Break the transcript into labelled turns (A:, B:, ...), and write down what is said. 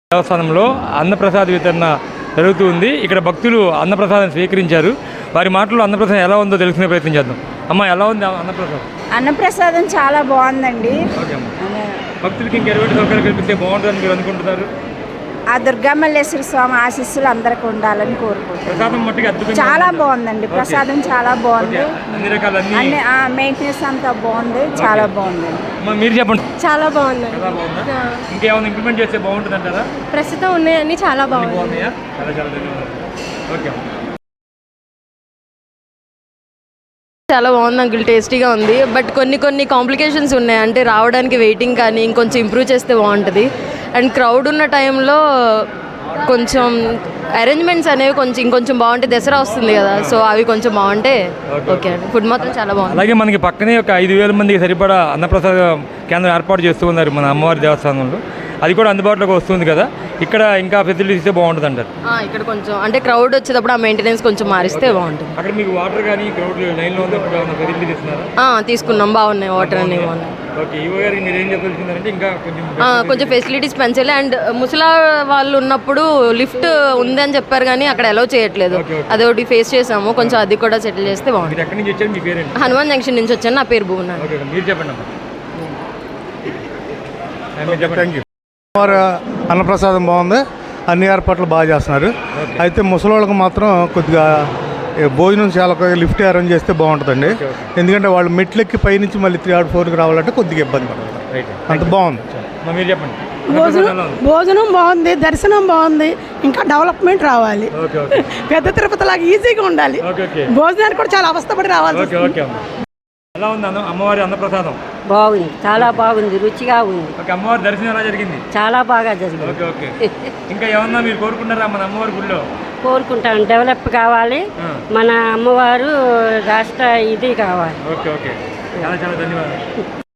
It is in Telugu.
A: దేవస్థానంలో అన్నప్రసాద వితరణ జరుగుతుంది. ఇక్కడ భక్తులు అన్నప్రసాదం స్వీకరించారు. వారి మాటల్లో అన్నప్రసాదం ఎలా ఉందో తెలుసుకునే ప్రయత్నం చేద్దాం. అమ్మ, ఎలా ఉంది అన్నప్రసాదం?
B: అన్నప్రసాదం చాలా బాగుందండి.
A: భక్తులకి ఇంకా ఎటువంటి సౌకర్యాలు కల్పిస్తే బాగుంటుందని మీరు అనుకుంటున్నారు?
B: ఆ దుర్గామల్లేశ్వర స్వామి ఆశీస్సులు అందరికి ఉండాలని కోరుకుంటున్నాను. చాలా బాగుందండి, ప్రసాదం చాలా బాగుంది. అన్ని మెయింటెనెన్స్ అంతా బాగుంది, చాలా బాగుందండి.
A: మీరు చెప్పండి.
C: చాలా బాగుందండి.
A: ఇంకేమైనా ఇంప్లిమెంట్ చేస్తే బాగుంటుంది అంటారా?
C: ప్రస్తుతం ఉన్నాయని చాలా బాగున్నాయి. చాలా బాగుంది అంకుల్, టేస్టీగా ఉంది. బట్ కొన్ని కాంప్లికేషన్స్ ఉన్నాయి. అంటే రావడానికి వెయిటింగ్ కానీ ఇంకొంచెం ఇంప్రూవ్ చేస్తే బాగుంటుంది. అండ్ క్రౌడ్ ఉన్న టైంలో కొంచెం అరేంజ్మెంట్స్ అనేవి ఇంకొంచెం బాగుంటే, దసరా వస్తుంది కదా, సో అవి కొంచెం బాగుంటే ఓకే అండి. ఫుడ్ మాత్రం చాలా బాగుంది.
A: అలాగే మనకి పక్కనే ఒక 5,000 మందికి సరిపడా అన్నప్రసాద కేంద్రం ఏర్పాటు చేస్తూ ఉన్నారు మన అమ్మవారి దేవస్థానంలో. అది కూడా అందుబాటులోకి వస్తుంది కదా. ఇక్కడ ఇంకా ఫెసిలిటీస్ ఇస్తే బాగుంటుంది అంటారు.
C: ఇక్కడ కొంచెం అంటే క్రౌడ్ వచ్చేటప్పుడు ఆ మెయింటెనెన్స్ కొంచెం మారిస్తే బాగుంటుంది.
A: అక్కడ మీకు వాటర్ కానీ క్రౌడ్ లైన్లో ఫెసిలిటీస్ ఇస్తున్నారు?
C: తీసుకున్నాం, బాగున్నాయి. వాటర్ అన్నీ బాగున్నాయి.
A: ఓకే, ఈవో గారికి మీరు ఏం చెప్పాల్సిందంటే ఇంకా
C: కొంచెం ఫెసిలిటీస్ పెంచాలి. అండ్ ముసలా వాళ్ళు ఉన్నప్పుడు లిఫ్ట్ ఉంది అని చెప్పారు కానీ అక్కడ అలౌ చేయట్లేదు. అదొకటి ఫేస్ చేసాము. కొంచెం అది కూడా సెటిల్ చేస్తే బాగుంటుంది.
A: ఎక్కడి నుంచి వచ్చారు? మీ పేరు?
C: హనుమాన్ జంక్షన్ నుంచి వచ్చాను. నా పేరు భువన.
A: మీరు చెప్పండి.
D: అన్నప్రసాదం బాగుంది, అన్ని ఏర్పాట్లు బాగా చేస్తున్నారు. అయితే ముసలోళ్ళకి మాత్రం కొద్దిగా భోజనం చాలా లిఫ్ట్ అరేంజ్ చేస్తే బాగుంటుందండి. ఎందుకంటే వాళ్ళు మెట్లెక్కి పైనుంచి మళ్ళీ 3 or 4కి రావాలంటే కొద్దిగా ఇబ్బంది పడుతుంది. అంత బాగుంది.
A: మీరు చెప్పండి.
E: భోజనం బాగుంది, దర్శనం బాగుంది, ఇంకా డెవలప్మెంట్ రావాలి. పెద్ద తిరుపతి లాగా ఈజీగా ఉండాలి. భోజనానికి కూడా చాలా అవస్థపడి రావాలి.
A: ఎలా ఉంది అమ్మవారి అన్నప్రసాదం?
F: బాగుంది, చాలా బాగుంది, రుచిగా ఉంది.
A: అమ్మవారి దర్శనం ఎలా జరిగింది?
F: చాలా బాగా జరిగింది.
A: ఇంకా ఏమన్నా మీరు కోరుకుంటారా మన అమ్మవారి గుడిలో?
F: కోరుకుంటాను, డెవలప్ కావాలి, మన అమ్మవారు రాష్ట్ర ఇది కావాలి.
A: ఓకే, చాలా ధన్యవాదాలు.